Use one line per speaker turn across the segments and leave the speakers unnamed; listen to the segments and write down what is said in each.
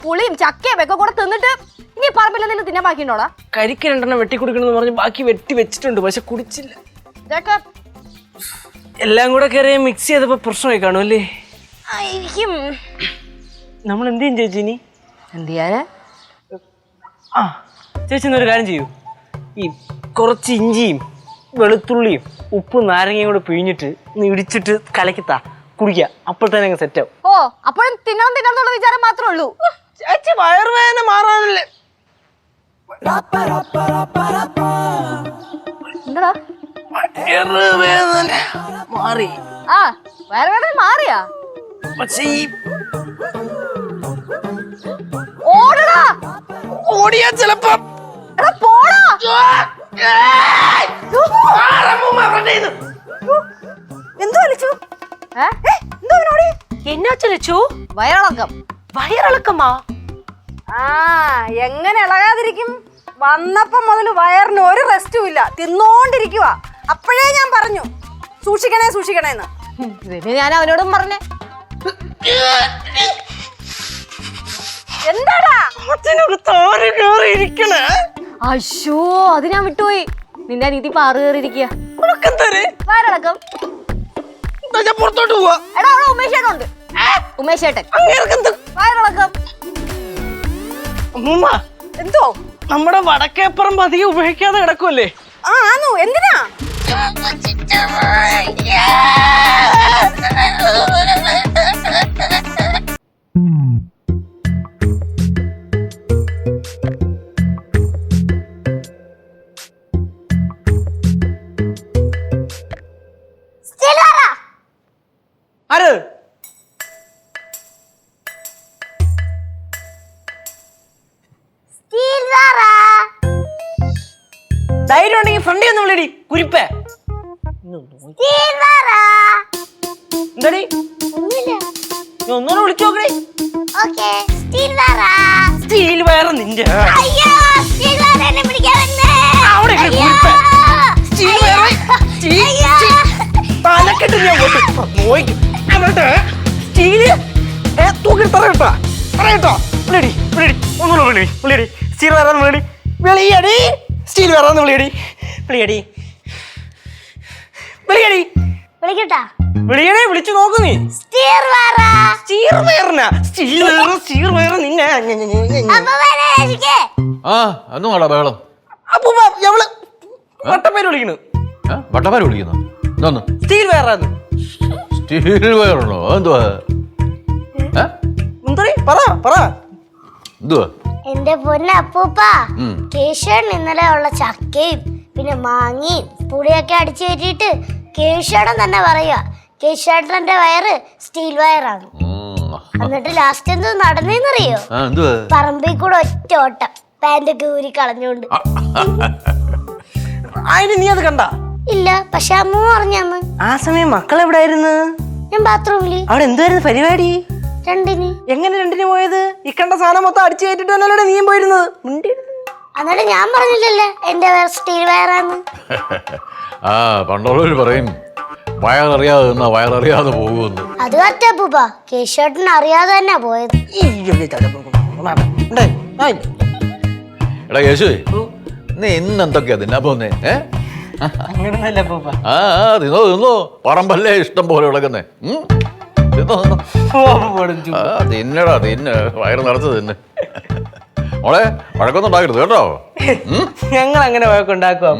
പുളിയും ചക്കയും ഒക്കെ കൂടെ തിന്നിട്ട് ഇനി പറമ്പിൽ എന്തെങ്കിലും തിന്നാൻ ബാക്കിയുണ്ടോടാ?
കരിക്ക് 2 എണ്ണം വെട്ടി കുടിക്കണമെന്ന് പറഞ്ഞ് ബാക്കി വെട്ടി വെച്ചിട്ടുണ്ട്, പക്ഷെ കുടിച്ചില്ല.
ഇതൊക്കെ
എല്ലാം കൂടെ കയറി മിക്സ് ചെയ്തപ്പോ പ്രശ്നമായി കാണുമല്ലേ?
ആയിരിക്കും.
നമ്മൾ എന്ത് ചെയ്യും ചേച്ചി ഇനി?
എന്ത് ചെയ്യാനാ?
ആ ചേച്ചി എന്നൊരു കാര്യം ചെയ്യൂ, ഈ കുറച്ച് ഇഞ്ചിയും വെളുത്തുള്ളിയും ഉപ്പും നാരങ്ങയും കൂടെ പിഴിഞ്ഞിട്ട് ഒന്ന് ഇടിച്ചിട്ട് കലക്കിത്താ കുടിക്കുക, അപ്പോൾ തന്നെ അങ്ങ് സെറ്റ് ആവും.
ഓ, അപ്പോഴും തിന്നണം വിചാരം മാത്രമേ ഉള്ളൂ.
ചേച്ചി വയറുവേദന മാറാനല്ലേ?
എന്താ
വയറുവേദന മാറി?
ആ, വയറുവേദന മാറിയാ?
പക്ഷേ ഈ
ഓടടാ,
ഓടിയാ ചിലപ്പോ
വയറിളക്കം.
വയറിളക്കമാ?
ആ, എങ്ങനെ ഇളകാതിരിക്കും? വന്നപ്പോ മുതൽ വയറിന് ഒരു റെസ്റ്റും ഇല്ല, തിന്നോണ്ടിരിക്കുക. അപ്പോഴേ ഞാൻ പറഞ്ഞു സൂക്ഷിക്കണേ സൂക്ഷിക്കണേന്ന്. ഞാൻ അവനോടും പറഞ്ഞേ. എന്താടാ അശോ, അത് ഞാൻ വിട്ടുപോയി. നിന്റെ അനീതി പാറു കയറിയിരിക്കുക. വയറിളക്കം.
പുറത്തോട്ട് പോവാ.
എടാ, അവിടെ ഉമേഷേട്ടുണ്ട്. ഉമേഷേട്ടൻ വയറിളക്കം.
എന്തോ നമ്മുടെ വടക്കേപ്പുറം അധികം ഉപയോഗിക്കാതെ കിടക്കുമല്ലേ?
ആ, ആണോ? എന്തിനാ?
ആര്? ധൈര്യം ഉണ്ടെങ്കിൽ ഫ്രണ്ടി ഒന്ന് വിളിയടി കുരിപ്പേ. എന്താടി ഒന്നൂടെ വിളിച്ചു നോക്കണേ. സ്റ്റീൽ വയർ നിന്റെ തലക്കെട്ട് ഞാൻ നോക്കും. സ്റ്റീല് തൂക്കി പറയട്ടോ പറയട്ടോ. വിളിയടി വിളിയടി ഒന്നുകൂടെ വിളി വിളിയടി. സ്റ്റീൽ വയറാന്ന് വിളിയടി വിളിയടി. സ്റ്റീൽ വയറാന്ന് വിളിയടി വിളിയടി വിളിയടി വിളിയടി. വിളിച്ചു നോക്കു നീ. സ്റ്റീൽ വയറിനാ? സ്റ്റീൽ വയറ് സ്റ്റീൽ വയറ് നിന്നെ.
ആ ഒന്നും ബഹളം.
അപ്പൊ ഞമ്മള് വട്ടപ്പേര് വിളിക്കണു.
വട്ടപ്പേര് വിളിക്കുന്നു? എന്തോന്ന്?
സ്റ്റീൽ വയറാന്ന്.
സ്റ്റീൽ വയറുണ്ടോ? എന്തുവാ
പറ പറ.
എന്തുവാ?
എന്റെ പൊന്നെ അപ്പൂപ്പ, കേശവൻ ഇന്നലെ ഉള്ള ചക്കയും പിന്നെ മാങ്ങയും പുളിയൊക്കെ അടിച്ചു കയറ്റിയിട്ട് കേശവൻ തന്നെ പറയുക കേശവേട്ടന്റെ വയറ് സ്റ്റീൽ വയറാണ്. എന്നിട്ട് ലാസ്റ്റ് എന്തോ നടന്നേന്നറിയോ? പറമ്പിൽ കൂടെ ഒറ്റ ഓട്ടം, പാന്റൊക്കെ ഊരി കളഞ്ഞോണ്ട്.
അതിന് നീ അത് കണ്ട?
ഇല്ല, പക്ഷെ അമ്മ പറഞ്ഞന്ന്.
ആ സമയം മക്കൾ എവിടെയായിരുന്നു?
ഞാൻ ബാത്റൂമില്.
അവിടെ എന്തുവായിരുന്നു പരിപാടി?
രണ്ടിന്.
എങ്ങനെ രണ്ടിന് പോയത്? ഈ കണ്ട സാധനം മൊത്തം അടിച്ചു കയറ്റിട്ട് തന്നെയല്ലേ നീയും പോയിരുന്നത്?
എന്നിട്ട് ഞാൻ പറഞ്ഞില്ലല്ലേ എന്റെ സ്റ്റീൽ വയറാന്ന്.
ആ പണ്ടുള്ളവര് പറയും വയററിയാതെ നിന്നാ വയററിയാതെ പോകുമെന്ന്.
അത് കറ്റപ്പൂപ്പ, കേശവേട്ടൻ അറിയാതെ തന്നെ പോയത്.
എടാ കേശുവേ, നീ ഇന്നെന്തൊക്കെയാ തിന്നാ പോന്നേ? ആ തിന്നോ തിന്നോ, പറമ്പല്ലേ ഇഷ്ടം പോലെ വിളക്കുന്നേ. തിന്നടാ തിന്ന്, വയറ് നിറച്ച് തിന്ന്. മോളെ വഴക്കൊന്നും ഉണ്ടാക്കരുത് കേട്ടോ.
ഞങ്ങൾ അങ്ങനെ വഴക്കുണ്ടാക്കുക.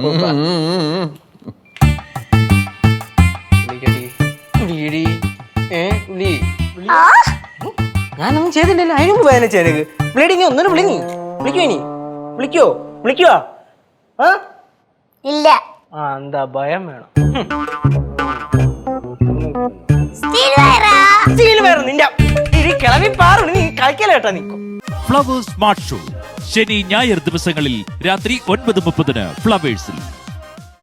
ഞാനൊന്നും ചെയ്തില്ലല്ലോ, അതിനും വേദന ചേനക്ക്. ബ്ലീഡിങ് ഒന്നും വിളിങ്ങി വിളിക്കോ? ഇനി വിളിക്കോ? വിളിക്കുവാ?
ഇല്ല.
ആ എന്താ ഭയം വേണം? കിളവി പാറു നീ കളിക്കലേട്ടാ. നീ
ഫ്ലവേഴ്സ് സ്മാർട്ട് ഷോ ശനി ഞായർ ദിവസങ്ങളിൽ രാത്രി 9:30 ഫ്ലവേഴ്സിൽ.